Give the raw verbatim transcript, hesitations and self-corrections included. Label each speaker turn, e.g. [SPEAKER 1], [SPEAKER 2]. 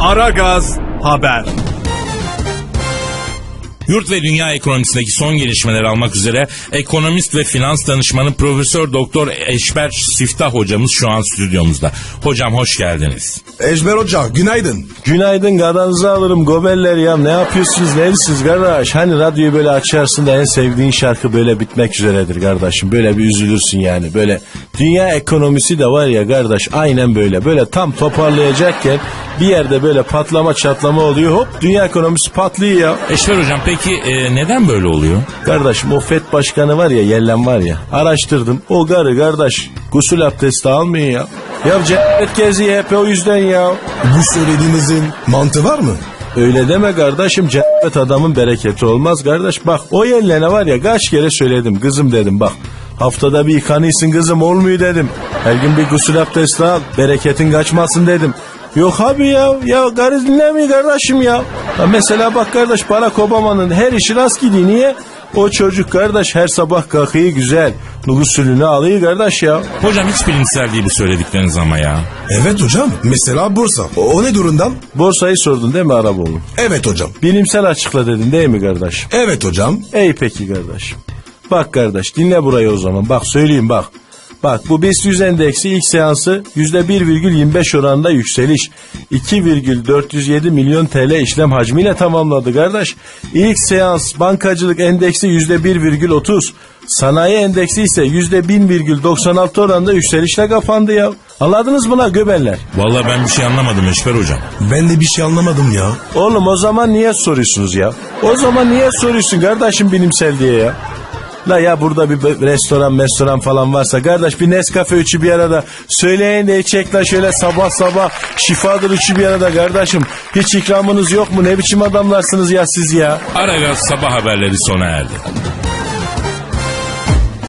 [SPEAKER 1] Aragaz Haber.
[SPEAKER 2] Yurt ve dünya ekonomisindeki son gelişmeleri almak üzere ekonomist ve finans danışmanı Profesör Doktor Eşber Siftah hocamız şu an stüdyomuzda. Hocam hoş geldiniz.
[SPEAKER 3] Eşber Hoca günaydın.
[SPEAKER 4] Günaydın, gadanızı alırım gobeller ya. Ne yapıyorsunuz, neredesiniz kardeş? Hani radyoyu böyle açarsın da en sevdiğin şarkı böyle bitmek üzeredir kardeşim. Böyle bir üzülürsün yani. Böyle dünya ekonomisi de var ya kardeş, aynen böyle. Böyle tam toparlayacakken bir yerde böyle patlama çatlama oluyor. Hop, dünya ekonomisi patlıyor ya.
[SPEAKER 2] Eşber hocam peki e, neden böyle oluyor?
[SPEAKER 4] Kardeşim o F E D başkanı var ya, yellen var ya, araştırdım. O garı kardeş gusül abdesti almıyor ya. Ya cennet geziyor hep o yüzden ya.
[SPEAKER 3] Bu söylediğinizin mantığı var mı?
[SPEAKER 4] Öyle deme kardeşim, cennet adamın bereketi olmaz kardeş. Bak o yellene var ya, kaç kere söyledim kızım dedim, bak haftada bir yıkanıyorsun kızım, olmuyor dedim. Her gün bir gusül abdesti al, bereketin kaçmasın dedim. Yok abi ya, ya garı dinlemiyor kardeşim ya. Ya mesela bak kardeş, Barack Obama'nın her işi rast gidiyor, niye? O çocuk kardeş her sabah kalkıyor güzel, gusülünü alıyor kardeş ya.
[SPEAKER 2] Hocam hiç bilimsel değil bu söyledikleriniz ama ya.
[SPEAKER 3] Evet hocam. Mesela borsa. O, o ne durumdan?
[SPEAKER 4] Borsayı sordun değil mi Araboğlu?
[SPEAKER 3] Evet hocam.
[SPEAKER 4] Bilimsel açıkla dedin değil mi kardeş?
[SPEAKER 3] Evet hocam.
[SPEAKER 4] Ey peki kardeşim. Bak kardeş dinle burayı o zaman. Bak söyleyeyim bak. Bak bu BIST yüz endeksi ilk seansı yüzde bir virgül yirmi beş oranında yükseliş. iki virgül dört yüz yedi milyon T L işlem hacmiyle tamamladı kardeş. İlk seans bankacılık endeksi yüzde bir virgül otuz. Sanayi endeksi ise yüzde bin virgül doksan altı oranında yükselişle kapandı ya. Anladınız mı lan göbeller?
[SPEAKER 2] Vallahi ben bir şey anlamadım Eşber hocam.
[SPEAKER 3] Ben de bir şey anlamadım ya.
[SPEAKER 4] Oğlum o zaman niye soruyorsunuz ya? O zaman niye soruyorsun kardeşim bilimsel diye ya? La ya burada bir restoran restoran falan varsa kardeş bir Nescafe üçü bir arada söyleyin de içecek la şöyle sabah sabah şifadır üçü bir arada kardeşim. Hiç ikramınız yok mu? Ne biçim adamlarsınız ya siz ya?
[SPEAKER 2] Aragaz sabah haberleri sona erdi.